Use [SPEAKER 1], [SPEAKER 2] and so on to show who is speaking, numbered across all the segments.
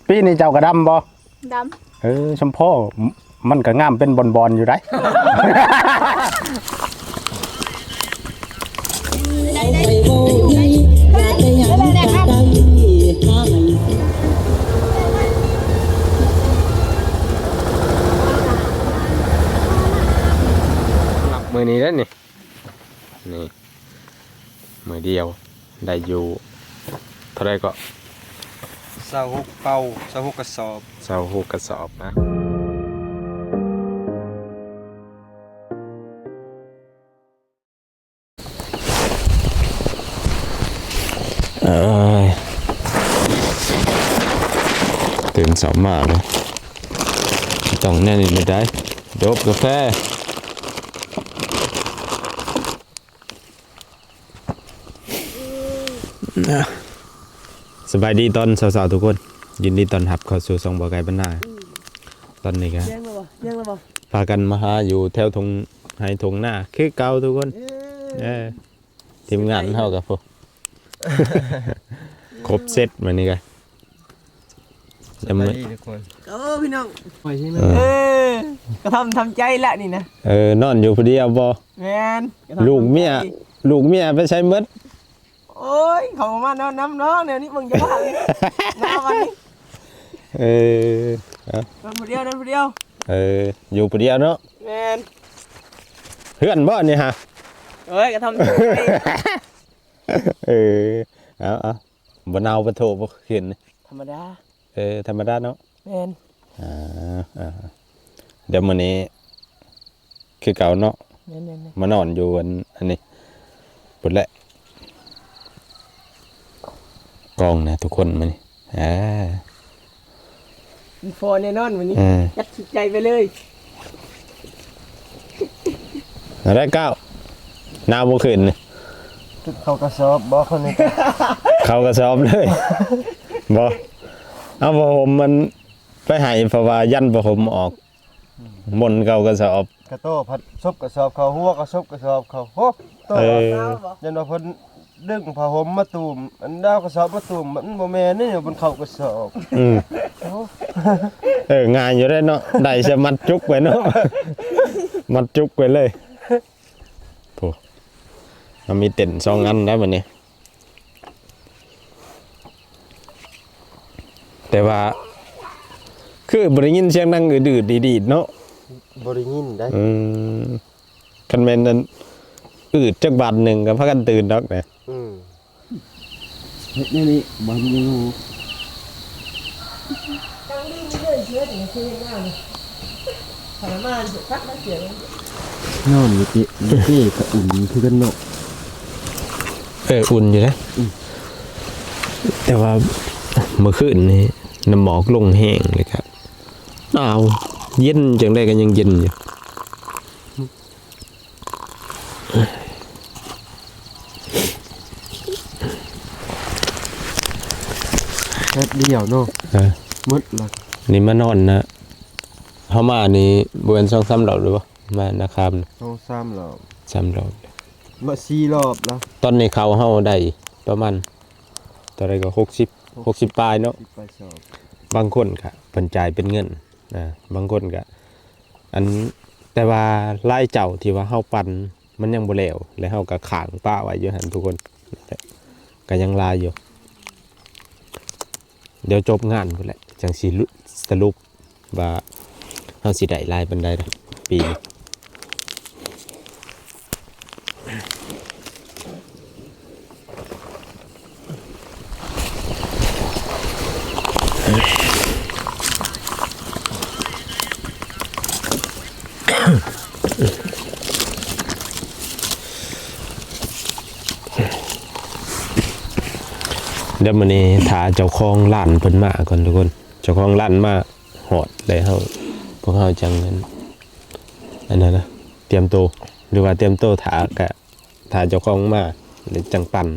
[SPEAKER 1] ปีนี้เจ้ากระดำบ่
[SPEAKER 2] ด
[SPEAKER 1] ชมพ่อมันก็งามเป็นบอนๆอยู่ได้มือนี้แล้วนี่มือเดียวได้อยู่เท่าไรก็
[SPEAKER 3] 26เป่า26กระสอบ
[SPEAKER 1] 26กระสอบนะตื่นสองมาเลยต้องแน่นไม่ได้ดบกาแฟสบายดีตอนสาวๆทุกคนยินดีตอนหับเข้าสู่ซองบ่อไก่บ้านนาตอนนี้ครับพากันมาหาอยู่แถวทงไฮทงหน้าคือเก่าทุกคนทีมงานเท่ากับพวกครบเซตมานี่กัน
[SPEAKER 3] สบายดีทุกคน
[SPEAKER 4] พี่น้อง
[SPEAKER 3] ไปใช่ไหม
[SPEAKER 4] ก็ทำใจละนี่นะ
[SPEAKER 1] นอนอยู่พอดีเอาบ่
[SPEAKER 4] แมน
[SPEAKER 1] ลูกเมียไปใช้มด
[SPEAKER 4] โอ้ยเขามาน้ำเนาะเนี่ยนี่มึงจะบ้าเลยน้ำมันนี่นอนคนเดียว
[SPEAKER 1] อยู่พอดีเนาะ
[SPEAKER 4] แมน
[SPEAKER 1] เพื่อนบ่นี่ฮะ
[SPEAKER 4] ก็ทำใจ
[SPEAKER 1] เอาบ่เนาบ่โทบ่ขึ้น
[SPEAKER 4] ธรรมดา
[SPEAKER 1] ธรรมดาเนาะ
[SPEAKER 4] แมน
[SPEAKER 1] เดี๋ยวมื้อนี้คือเก่าเนาะมานอนอยู่อันนี้ปุ่นแหละกองนะทุกคนมานี่
[SPEAKER 4] ฟอแน่นอนวันนี้ยัดใจไปเลย
[SPEAKER 1] อะไรก้าวหน้าบ่ขึ้นนี่
[SPEAKER 3] เขากระสอบบ่คนนี้
[SPEAKER 1] เขากระสอบเลยบ่เอาผ้าห่มมันไปให้เพราะว่ายันผ้าห่มออกมนเก่ากระสอบ
[SPEAKER 3] กระโต้ผัดซบกระสอบเขาหัวกระซบกระสอบเขาโหโตยันว่าเพิ่นดึงผ้าห่มมาตูมอันดาวกระสอบมาตูมมันบ่แม่นนี่บนเขากระสอบ
[SPEAKER 1] งานอยู่ได้เนาะได้จะมัดจุกไว้เนาะมัดจุกไว้เลยโอ้มันมีเต็นท์2 อันแล้วบัดนี้แต่ว่าคือบริยินเสียงดังอืดๆดีๆเนาะ
[SPEAKER 3] บริยินได้
[SPEAKER 1] คันแม่นนั้นอืดจักบาทหนึ่งก็พากันตื่นดอกแหละ
[SPEAKER 3] นี่บ่มีงู
[SPEAKER 4] ตั้งดีมีเลยเชื้อถึงคือง่ายทรมานสุดพักแล้วเสีย
[SPEAKER 3] นอนอยู่ที่ก็อุ่นคือกันเนาะ
[SPEAKER 1] อุ่นอยู่นะแต่ว่าเมื่อคืนนี้น้ำหมอกลงแห้งเลยครับหนาวเย็นจังได้กันยังเย็นอยู่
[SPEAKER 3] แค่เดียวเนาะมืดละ
[SPEAKER 1] นี่มานอนนะเขามานี่บวน2-3 รอบหรือเปล่ามานะครับ
[SPEAKER 3] 2-3 รอบ
[SPEAKER 1] 3 รอบ
[SPEAKER 3] มา4 รอบแล้ว
[SPEAKER 1] ตอนนี้เขาเฮาได้ประมาณตอนไรก็60ปลายเนาะบางคนก็เพิ่นจ่ายเป็นเงินบางคนก็อันแต่ว่าไล่เจ้าที่ว่าเฮาปั่นมันยังบ่แล้วแล้วเฮาก็ข้างป้าไว้อยู่หั่นทุกคนก็ยังลายอยู่เดี๋ยวจบงานพุ่นแหละจังสิสรุปว่าเฮาสิได้ลายปานใดปีนี้เดี๋ยวมื้อนี้ถ้าเจ้าของร้านเพิ่นมาก่อนทุกคนเจ้าของร้านมาฮอดแล้วเฮาพวกเฮาจังนั้นอันนั้นนะเตรียมตัวหรือว่าเตรียมตัวถ้าเจ้าของมาหรือจังปั่น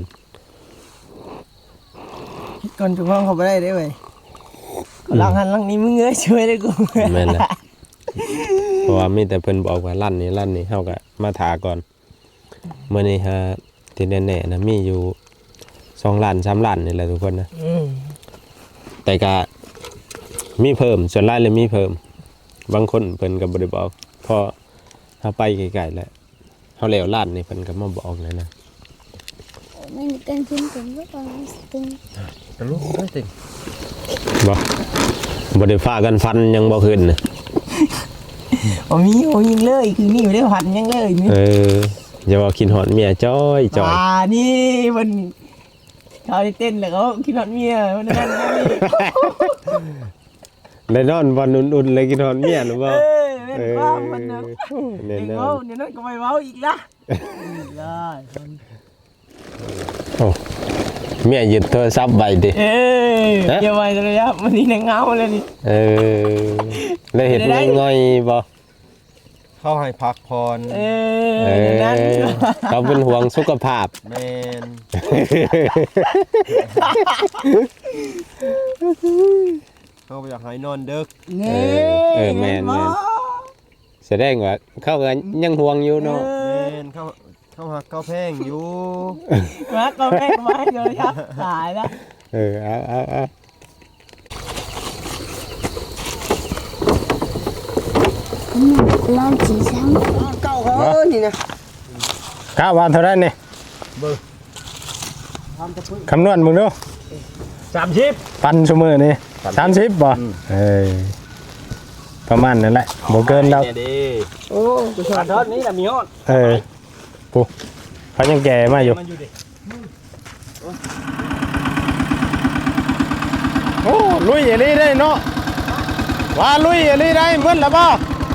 [SPEAKER 4] ก่อนเจ้าของเขาบ่ได้เว้ยหลังหันหลังนี้มึงเงยช่วยได้กู
[SPEAKER 1] แม่นล่ะเพราะว่ามีแต่เพิ่นบอกว่าร้านนี้เฮาก็มาถาก่อนมื้อนี้ฮะที่แน่ๆนะมีอยู่2 ล้าน 3 ล้านนี่แหละทุกคนนะแต่ก็มีเพิ่มส่วนหลายเลยมีเพิ่มบางคนเพิ่นก็บ่ได้บอกพอเฮาไปไกลๆแล้วเฮาแล้วร้านนี่เพิ่นก็มาบอกเลยนะ
[SPEAKER 2] Mình tên phim cũng rất là tên
[SPEAKER 3] ตะลุกได้ติ
[SPEAKER 1] บ่ได้ฟ้ากันฟันยังบ่ขึ้นน่ะ
[SPEAKER 4] บ่มียิงเลยคือนี่บ่ได้พันยังเลยนี่
[SPEAKER 1] อย่าว่าคิดฮอดเมียจ้อยจ้อย
[SPEAKER 4] นี่มันเขาได้เต้นแล้วเขาคิดฮอดเมียมันนั่นนี่
[SPEAKER 1] ได้นอนวันอุ่นๆเลยคิดฮอดเมียหรือบ่
[SPEAKER 4] เล่นว่ามันนะ
[SPEAKER 1] แน่
[SPEAKER 4] เด็ก
[SPEAKER 1] นอ
[SPEAKER 4] เว้าน เดี๋ยวนั้นก็ไปเว้าอีกละได้
[SPEAKER 1] โอ้เมียหยิบโทรศัพท์ไว้ดิ
[SPEAKER 4] เดี๋ยวไปเลยครับวันนี้ในเงาเลยนี่
[SPEAKER 1] ได้เห็นง่อยๆบ่
[SPEAKER 3] เขาให้พักพร
[SPEAKER 4] นั่น
[SPEAKER 1] เขาเป็นห่วงสุขภาพ
[SPEAKER 3] แม่นเขาอยากให้นอนดึก
[SPEAKER 1] แม่นแสดงว่าเขาก็ยังห่วงอยู่เนาะ
[SPEAKER 3] แม่นเขาหักเขาแพงอยู่
[SPEAKER 4] มาก็แม่มาเดี๋ยวครับตายแล้ว
[SPEAKER 1] เอา
[SPEAKER 2] Lan chỉ sáng
[SPEAKER 4] เก่าเขานี่นะ
[SPEAKER 1] กะว่าเท่านั้นนี่คำนวณมึงดู
[SPEAKER 3] 30
[SPEAKER 1] ปันชั่วมือนี่30บ่ประมาณนั่นแหละบ่เกินแล้ว
[SPEAKER 4] โอ้กูชอบทอดนี้ละมีฮอด
[SPEAKER 1] ปุ๊เขายังแก่มาอยู่โอ้ลุยอย่างนี้ได้เนาะว่าลุยอย่างนี้ได้เพิ่นละบ่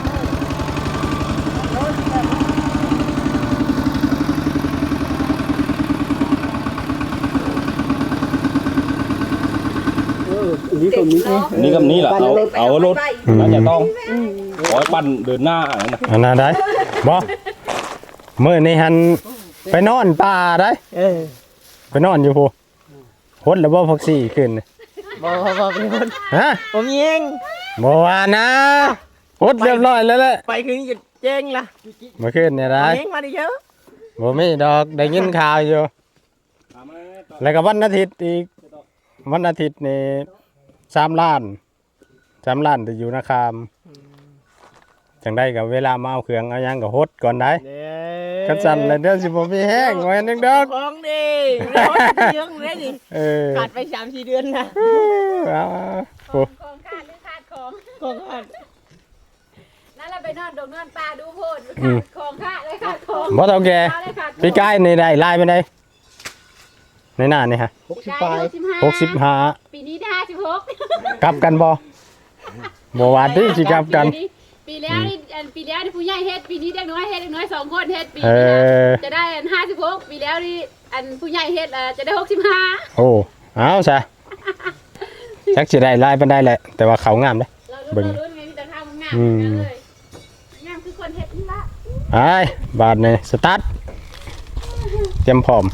[SPEAKER 5] นี่กับนี้แหละเอารถน่าจะต้องขอให้ปั่นเดินหน้าอะไรนะ
[SPEAKER 1] อันนั้นได้บ่มื้อนี้หันไปนอนป่าได้ไปนอนอยู่พูฮดแล้วบ่พักซี่ขึ้น
[SPEAKER 4] บ่เป็นคน
[SPEAKER 1] ฮะ
[SPEAKER 4] ผมเอง
[SPEAKER 1] บ่ว่านะฮดเรียบร้อยแล้วแหละ
[SPEAKER 4] ไปคืนนี้จะแจ้งละ
[SPEAKER 1] มาขึ้นเนี่ยได้
[SPEAKER 4] เองมาดิเยอะ
[SPEAKER 1] บ่มีดอกได้ยินข่าวอยู่แล้วก็วันอาทิตย์อีกวันอาทิตย์นี่3 ล้านที่อยู่นะครับจังได้กับเวลามาเอาเครื่องเอาหยังก็ฮดก่อนได้กันสั่นแล้วเดี๋ยวสิบ่มีแห้งไว้นึงดอก
[SPEAKER 4] ของดีเรื่องเลยดิขาดไป 3-4 เดือนนะ
[SPEAKER 1] เอาโอ้
[SPEAKER 2] ของขาดหรือขาดของ
[SPEAKER 4] ของขาด
[SPEAKER 2] นั่นเราไปนอนดงนอนปลาดูโพดขาดของขาดเลยขาดของ
[SPEAKER 1] บ่เท่าแก่
[SPEAKER 2] เลยขาด
[SPEAKER 1] พี่กายนี่ได้ลายไปได้ในหน้านี่ฮะ
[SPEAKER 2] ปีนี้ได้56
[SPEAKER 1] กลับกันบ่บ่ว่าที่สิกลับกัน
[SPEAKER 2] ปีแล้วนี่ปีแล้วนี่ผู้ใหญ่เฮ็ดปีนี้เด็กน้อยเฮ็ดเด็กน้อย2คนเฮ็ดปี
[SPEAKER 1] เอ
[SPEAKER 2] นี้
[SPEAKER 1] อ
[SPEAKER 2] จะได้56ปีแล้วนี่ผู้ใหญ่เฮ็ดจะได้65
[SPEAKER 1] โอ้เอาซะจักสิได้ลายปานใดแหละ แต่ว่าเขางามเด้
[SPEAKER 2] เรารู้ไงมีแต่ข้าวงามเลยงามคือคนเฮ็ดนี่ละ
[SPEAKER 1] ไปบาดนี่สตาร์ทเตรียมพร้อม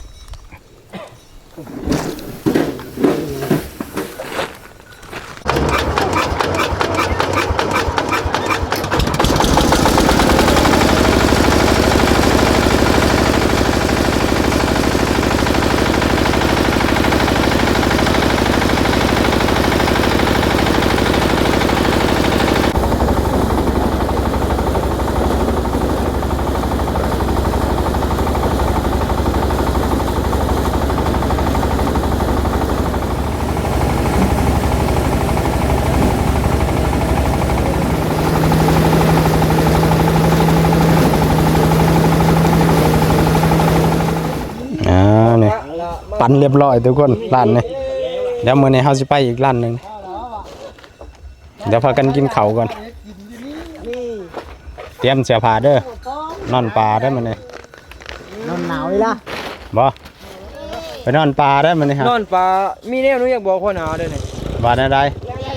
[SPEAKER 1] นี่ปั่นเรียบร้อยทุกคนร้านนี้เดี๋ยวมื้อนี้เฮาสิไปอีกร้านหนึงเดี๋ยวพากันกินข้าวก่อนเตรียมเสื้อผ้าเด้อนอนป่าได้มื้อนี้
[SPEAKER 4] นอนหนาวเลยล่ะ
[SPEAKER 1] บ่ไปนอนป่าได้มื้อนี้ฮะ
[SPEAKER 4] นอนปลามีแนวหนูอยากบอกคนหนาวด้วยนี่
[SPEAKER 1] ว่าแนวใด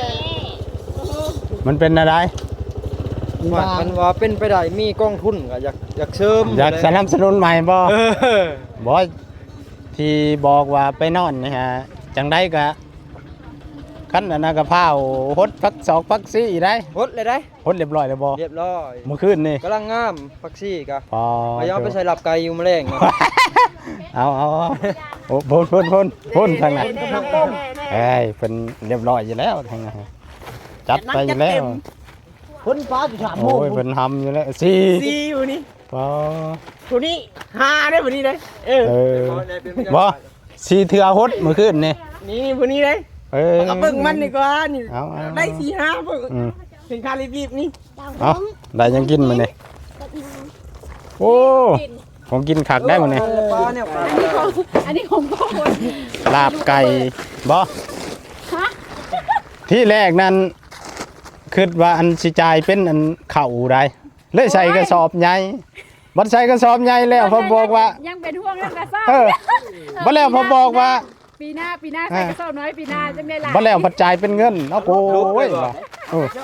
[SPEAKER 1] มันเป็นแนวใด
[SPEAKER 4] มันว่าเป็นไปได้มีกองทุนก็อยากเสริม
[SPEAKER 1] อยากสนับสนุนใหม่บ่บ่ที่บอกว่าไปนอนนี่ฮะจังได๋ก็คันอันนั้นก็พาฮดพักศอกพักซี่ได้
[SPEAKER 4] หดเลยได้
[SPEAKER 1] ฮดเรียบร้อยแล้วบ่
[SPEAKER 4] เรียบร้อย
[SPEAKER 1] เมื่อคืนนี่
[SPEAKER 4] กำลังงามฟักซี่กะ
[SPEAKER 1] พอ
[SPEAKER 4] พยายามไปใส่หลับไก่อยู่แมลงนะ
[SPEAKER 1] เอาโอ้พ่นทางนั้นเอ้ยเป็นเรียบร้อยอยู่แล้วทางนั้นจัดไปอยู่แล้ว
[SPEAKER 4] คนฟ้าจุดถามโม
[SPEAKER 1] โอ้ยเป็นทำอยู่แล้วสี่
[SPEAKER 4] ซีวันนี้
[SPEAKER 1] บ่
[SPEAKER 4] คนนี้5ได้วันนี้เลย
[SPEAKER 1] เออบ่สี่เทือหดเมื่อคืนนี่
[SPEAKER 4] นี่วันนี้เลย
[SPEAKER 1] เออ
[SPEAKER 4] เอาเบิ่งมันดีกว่านี่
[SPEAKER 1] เอา
[SPEAKER 4] ได้4-5เบิ่ง
[SPEAKER 1] อืม
[SPEAKER 4] ถึงคารีบนี่
[SPEAKER 1] เอาได้ยังกินมื้อนี่โอ้ผมกินคักได้มื้อนี่
[SPEAKER 4] ปลาเนี่ยปลา
[SPEAKER 2] อันนี้ของพ่อคน
[SPEAKER 1] ลาบไก่บ่
[SPEAKER 2] ฮะ
[SPEAKER 1] ที่แรกนั้นคิดว่าอันสิจ่ายเป็นอันข้าวได้เลยใส่กระสอบใหญ่บัดใส่กระสอบใหญ่แล้วพอบอกว่า
[SPEAKER 2] ยังเป็นห่วงเรื่องกระสอบ
[SPEAKER 1] เออบ่แล้วพอบอกว่า
[SPEAKER 2] ปีหน้าใส่กระสอบน้อยปีหน้าจะไม่หลาย
[SPEAKER 1] บ่แล้วพัดจ่ายเป็นเงินเอาโอ้ยว่าเออ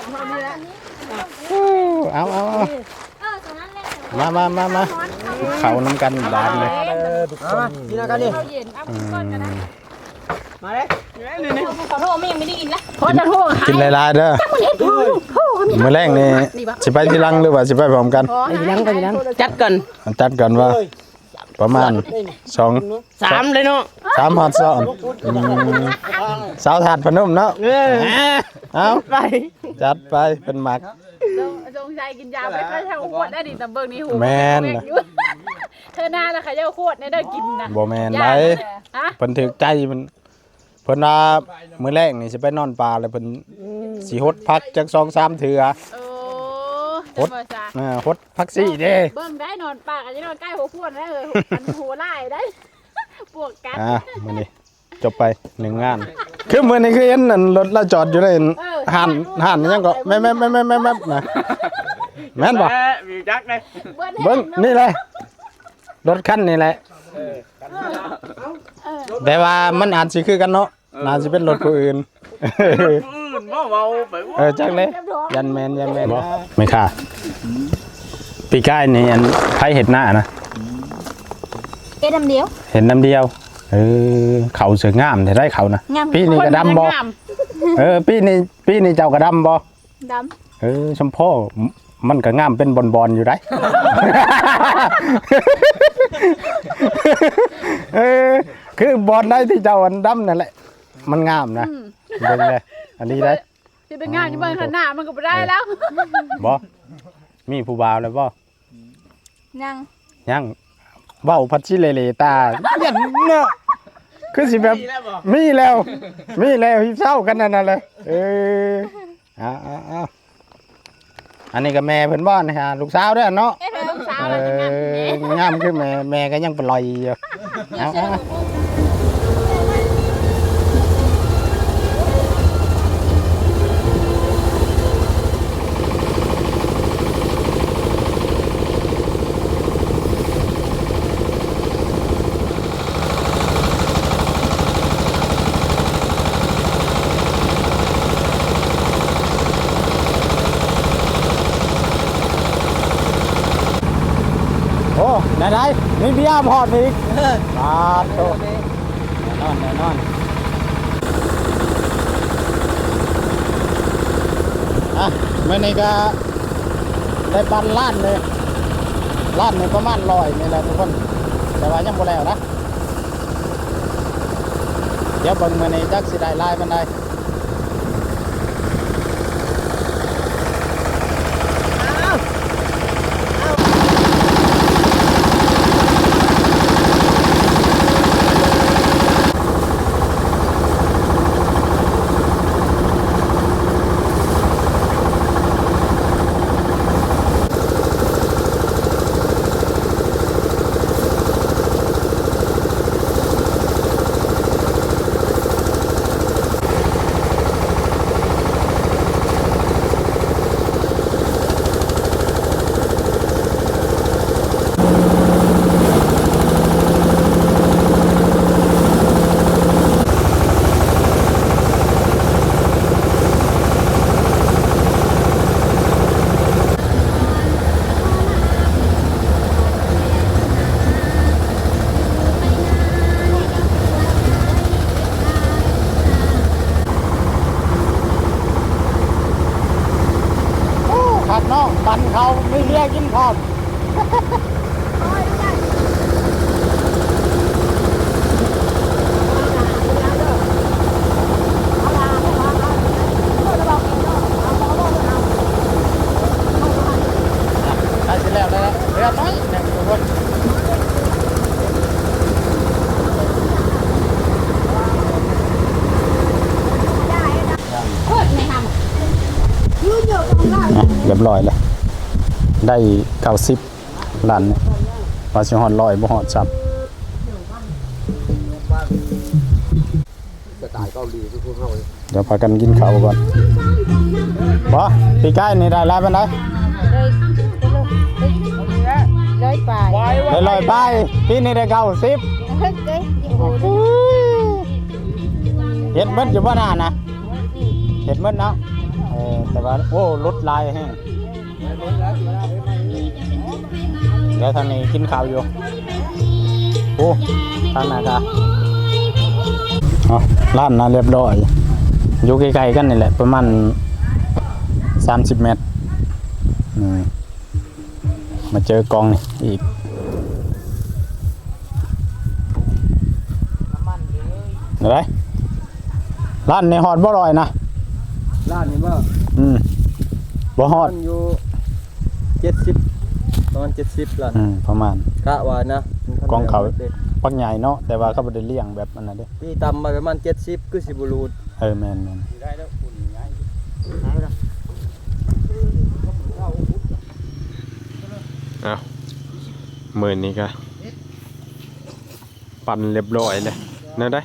[SPEAKER 1] เอามาเขาน้ำกันบาทเลย
[SPEAKER 4] กินอะไรกันนี่
[SPEAKER 2] ข้าวเย็นเอากินก่อนกันนะ
[SPEAKER 4] มาเลยนี่
[SPEAKER 2] ขอโทษไม่ยังไม่ได้กินนะขอจะโทษ
[SPEAKER 1] กินหลายๆเด้อมื้อแรกนี่สิไปทีหลังหรือว่าสิไปพร้อมกัน
[SPEAKER 4] จัดกัน
[SPEAKER 1] จัดกันว่าประมาณ
[SPEAKER 4] 3เลยเนาะ
[SPEAKER 1] 3ฮอดซ้อนสาวถาดพนมเนาะเอา
[SPEAKER 4] ไป
[SPEAKER 1] จัดไปเป็นหมัก
[SPEAKER 2] จงใจกินยาไปก็ช่างขวดได้ดิตำเบิงนี่หู
[SPEAKER 1] แม่น
[SPEAKER 2] เธอหน้าแล้วค่ะเจ้าขวดเนี่ยได้กินนะ
[SPEAKER 1] บ่แม่นได
[SPEAKER 2] ฮะ
[SPEAKER 1] เพิ่นถึกใจมันเพิ่นว่ามื้อแรกนี่สิไปนอนป่าแล้วเพิ่นสิหดพักจัก2-3เทื่อ
[SPEAKER 2] โอ้จะมาซะ
[SPEAKER 1] หดพักซี่เด้
[SPEAKER 2] เบิ่งได้นอนปากอันนี้นอนใกล้หัวขวดได้เลยมันหัวไล่ได้ปวกกัน
[SPEAKER 1] มื้อนี้จบไป1งานคือมื้อนี้คือเห็นนั่นรถเราจอดอยู่ในหันยังก็แม่ๆๆๆๆนะแม่นบ่
[SPEAKER 4] มีจักเลย
[SPEAKER 1] เบิ่งนี่แหละรถคันนี่แหละแต่ว่ามันอาจสิคือกันเนาะน่าสิเป็นรถผู้อื่น
[SPEAKER 4] เบาไป
[SPEAKER 1] จักเลยยันแมนไม่ค่ะปีก้ายนี่อันไผเห็ดหน้านะ
[SPEAKER 2] เอ็ดน้ำเดียว
[SPEAKER 1] เห็นน้ำเดียวเขาเสืองามแต่ได้เขานะปีนี้กระดำบ่ปีนี้เจ้ากระดำบ่
[SPEAKER 2] ด
[SPEAKER 1] ชมพ่อมันก็งามเป็นบอลอยู่ได้ คือบอลได้ที่เจ้าอันดำนั่นแหละมันงามนะเบิ่งเลยอันนี้ได้
[SPEAKER 2] ำที่เป็นงานที่เบิ่งขนาดมันก็ไม่ได้แล้ว
[SPEAKER 1] บ่มีผู้บ่าวแล้วบ่
[SPEAKER 2] ยัง
[SPEAKER 1] เว้าพัดชิเลตาเย็นเนาะคือสิแบบมีแล้วฮิเศร้ากันนั่นน่ะเลยเอาอันนี้ก็แม่เพิ่นบ่นะฮะลูกสาวเด้อเนาะ
[SPEAKER 2] เอ็ดเป็นลูกสาวแล้วจะงาม
[SPEAKER 1] งามคือแม่ก็ยังปล่อยอยู่เอาโอ้ได้มีเบียร์พอดอีกปาดโตแน่นอนมื่อนี้ก็ได้ปันล้านเลยล้านนี่ประมาณ100นี่แหละทุกคนแต่ว่ายังบ่แล้วนะเดี๋ยวเบิ่งมื่อนี้จักสิได้ลายมันได้ผักน้องปันเขาไม่เรียกกินพร้อม
[SPEAKER 2] เ
[SPEAKER 5] เรียบร้อยแล้วได้90ล้านว่าสิฮอด100บ่ฮอดซับเดี๋ยวพากันกินข้าวก่อนบ่ปีกายนี่ได้หลายปานใด
[SPEAKER 2] เลยไป
[SPEAKER 5] ได้100ไปปีนี้ได้90เฮ็ดเบิดอยู่บ่น่านะเฮ็ดเบิดเนาะแต่ว่าโอ้ลดลายแฮงเดี๋ยวทางนี้กินข้าวอยู่โอ้ทางหน้าตาร้านน่ะเรียบร้อยอยู่ใกล้ๆกันนี่แหละประมาณ30 เมตรมาเจอกองนี่อีกอะไรร้านในฮอดบ่ลอยนะ
[SPEAKER 3] ร้านนี้บ่
[SPEAKER 5] บ่ฮอด
[SPEAKER 3] มันอยู่70ประมาณ70ล้าน
[SPEAKER 5] ประมาณ
[SPEAKER 3] กะว่านะ
[SPEAKER 5] กองเขาปักใหญ่เนาะแต่ว่าเขาบ่ได้เลี้ยงแบบอันนั้นเด้
[SPEAKER 3] พี่ต่ำมาประมาณ70คือสิบ่รูด
[SPEAKER 5] แม่น
[SPEAKER 1] เอามื้อนี้ก็ปั่นเรียบร้อยเลยนั่นได้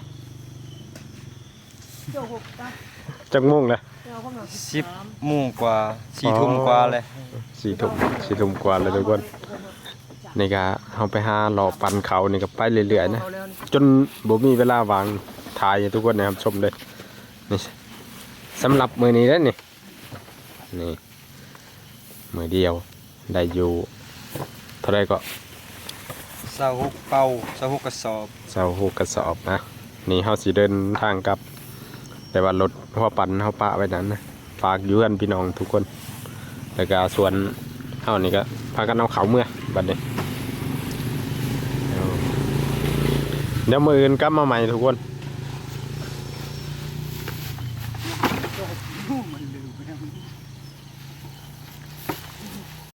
[SPEAKER 1] จักโมงเลย
[SPEAKER 3] 10 โมงกว่า4 ทุ่มกว่าเลย
[SPEAKER 1] 4 ทุ่มกว่าเลยทุกคนนี่ก็เฮาไปหารอปั่นเขานี่ก็ไปเรื่อยๆนะจนบ่มีเวลาวางถ่ายให้ทุกคนนะครับชมเลยนี่สำหรับมื้อนี้แล้วนี่มื้อเดียวได้อยู่เท่าไรก็
[SPEAKER 3] 26เป่า26กระสอบ
[SPEAKER 1] 26กระสอบนะนี่เฮาสิเดินทางกลับแต่ว่ารถหัวปั่นเฮาปะไว้นั้นนะฝากอยู่กันพี่น้องทุกคนแล้วก็ส่วนเฮานี่ก็พากันเอาเขาเมื่อบัดนี้เดี๋ยวมื้ออื่นกลับมาใหม่ทุกคน